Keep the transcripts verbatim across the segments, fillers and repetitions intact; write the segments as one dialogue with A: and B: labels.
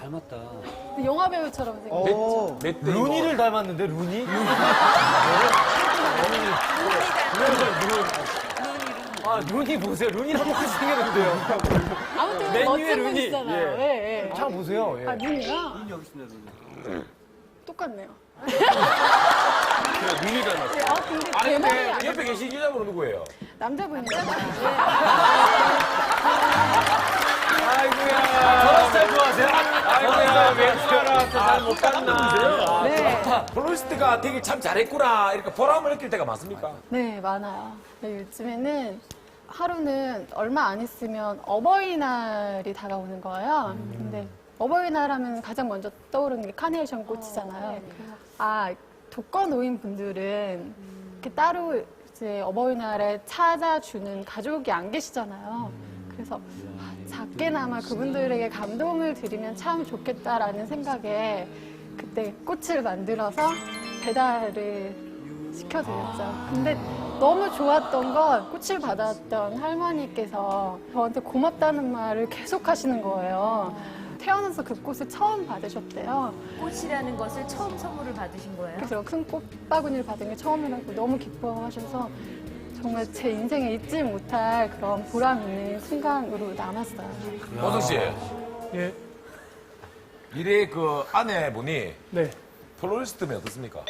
A: 닮았다.
B: 영화 배우처럼 생겼어요.
C: 오,
D: 루니를 닮았는데, 루니? 아, 루니 보세요. 루니 똑같이 생겼는데요.
B: 아무튼
D: 맨 위에
B: 멋진
D: 루니.
B: 분이시잖아요.
D: 예.
B: 예, 예.
D: 참 보세요. 예.
B: 아, 눈이요?
A: 눈이 여기 있습니다, 눈이.
B: 똑같네요.
E: 눈이 닮았어요.
B: 아, 근데
E: 아니,
B: 제 말이
E: 근데
B: 아니라
E: 옆에 계신 여자분은 누구예요?
B: 남자분이잖아요.
D: 아이고야. 저런 스타일 좋아하세요?
E: 아이고야, 왼수가라 잘못 봤나?
B: 네.
E: 플로리스트가 되게 참 잘했구나. 이렇게 보람을 느낄 때가 많습니까?
B: 네, 많아요. 네, 요즘에는 하루는 얼마 안 있으면 어버이날이 다가오는 거예요. 근데 어버이날 하면 가장 먼저 떠오르는 게 카네이션 꽃이잖아요. 아, 독거노인 분들은 이렇게 따로 이제 어버이날에 찾아주는 가족이 안 계시잖아요. 그래서 아, 작게나마 그분들에게 감동을 드리면 참 좋겠다라는 생각에 그때 꽃을 만들어서 배달을 시켜드렸죠. 근데 너무 좋았던 건 꽃을 받았던 할머니께서 저한테 고맙다는 말을 계속 하시는 거예요. 태어나서 그 꽃을 처음 받으셨대요.
F: 꽃이라는 것을 처음 선물을 받으신 거예요?
B: 그래서 큰 꽃바구니를 받은 게 처음이라고 너무 기뻐하셔서 정말 제 인생에 잊지 못할 그런 보람 있는 순간으로 남았어요.
E: 오성 씨,
D: 예.
E: 미래 그 아내분이
D: 네.
E: 플로리스트면 어떻습니까?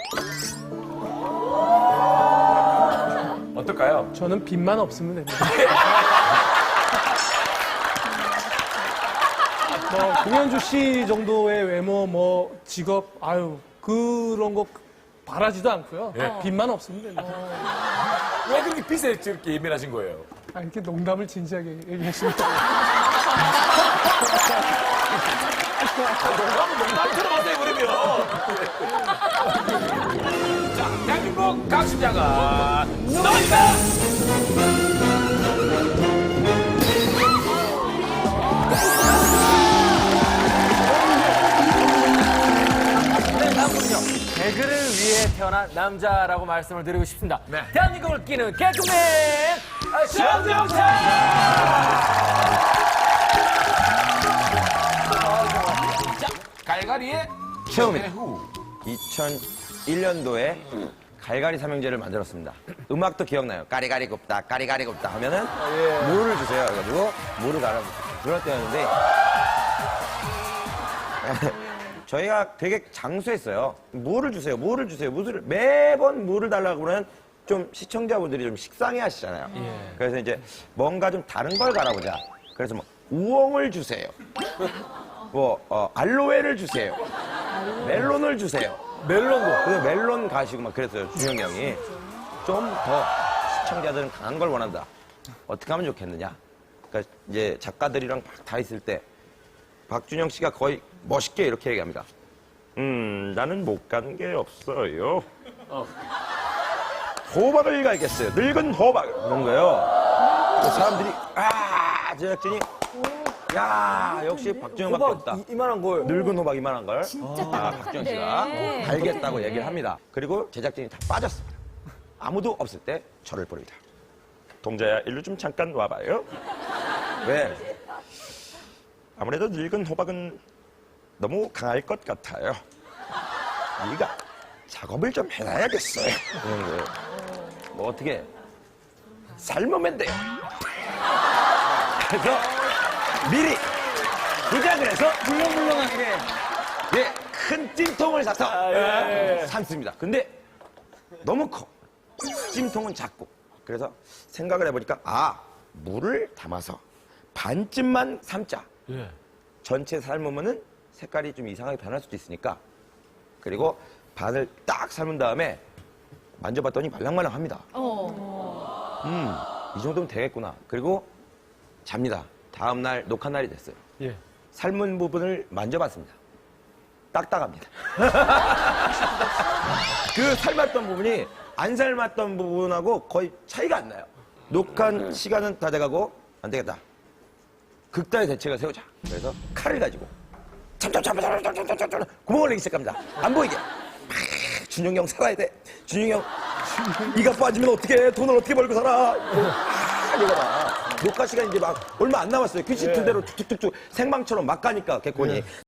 E: 어떨까요?
D: 저는 빚만 없으면 됩니다. 뭐, 공연주 씨 정도의 외모, 뭐, 직업, 아유, 그런 거 바라지도 않고요.
E: 예.
D: 빚만 없으면 됩니다.
E: 왜 그렇게 빚에 저렇게 예민하신 거예요?
D: 아, 이렇게 농담을 진지하게 얘기하십니다.
E: 농담은 농담 들어봤어요, 그러면. 자, 대한민국 각심자가 나옵니다!
D: 네, 다음은요. 개그를 위해 태어난 남자라고 말씀을 드리고 싶습니다.
E: 네.
D: 대한민국을 끼는 개그맨 정정찬!
E: 자, 갈갈이의
C: 처음이다.
E: 후.
C: 이천일 년도에 갈갈이 삼형제를 만들었습니다. 음악도 기억나요. 까리가리 곱다, 까리가리 곱다 하면은 물을 주세요. 그래가지고 물을 갈아주세요. 그럴 때였는데 저희가 되게 장수했어요. 물을 주세요, 물을 주세요, 물을 매번 물을 달라고 그러면 좀 시청자분들이 좀 식상해 하시잖아요. 그래서 이제 뭔가 좀 다른 걸 갈아보자. 그래서 뭐 우엉을 주세요. 뭐 어, 알로에를 주세요. 멜론을 주세요.
D: 멜론도.
C: 그래서 멜론 가시고 막 그랬어요. 준영이 형이. 좀 더 시청자들은 강한 걸 원한다. 어떻게 하면 좋겠느냐. 그러니까 이제 작가들이랑 막 다 있을 때 박준영 씨가 거의 멋있게 이렇게 얘기합니다. 음, 나는 못 가는 게 없어요. 호박을 갈겠어요. 늙은 호박. 그런 거예요. 그래서 사람들이, 아, 제작진이, 야, 역시 박준영밖에 없다.
D: 호박 이- 이만한 거예요.
C: 늙은 호박 이만한 걸.
F: 진짜
C: 아, 박준영 씨가
F: 똑똑한데.
C: 갈겠다고 얘기를 합니다. 그리고 제작진이 다 빠졌습니다. 아무도 없을 때 저를 부릅니다. 동자야, 일로 좀 잠깐 와봐요. 왜? 아무래도 늙은 호박은 너무 강할 것 같아요. 네가 작업을 좀 해놔야겠어요. 그런 거예요. 뭐 어떻게 삶으면 돼요. 그래서 미리 부작을 해서 물렁물렁하게 예, 큰 찜통을 사서 예, 삶습니다. 근데 너무 커. 찜통은 작고. 그래서 생각을 해보니까 아, 물을 담아서 반쯤만 삶자. 전체 삶으면은 색깔이 좀 이상하게 변할 수도 있으니까. 그리고 반을 딱 삶은 다음에 만져봤더니 말랑말랑합니다. 음, 이 정도면 되겠구나. 그리고 잡니다. 다음 날 녹화 날이 됐어요.
D: 예.
C: 삶은 부분을 만져봤습니다. 딱딱합니다. 그 삶았던 부분이 안 삶았던 부분하고 거의 차이가 안 나요. 녹화 시간은 다 돼가고 안 되겠다. 극단의 대책을 세우자. 그래서 칼을 가지고 참참참참참참참참 구멍을 내기 시작합니다. 안 보이게. 준영이 형 살아야 돼. 준영이 형 이가 빠지면 어떻게 돈을 어떻게 벌고 살아. 아, 이거다. 녹화 시간이 이제 막 얼마 안 남았어요. 퀴즈 틀대로 툭툭툭툭 생방처럼 막 가니까 개콘이.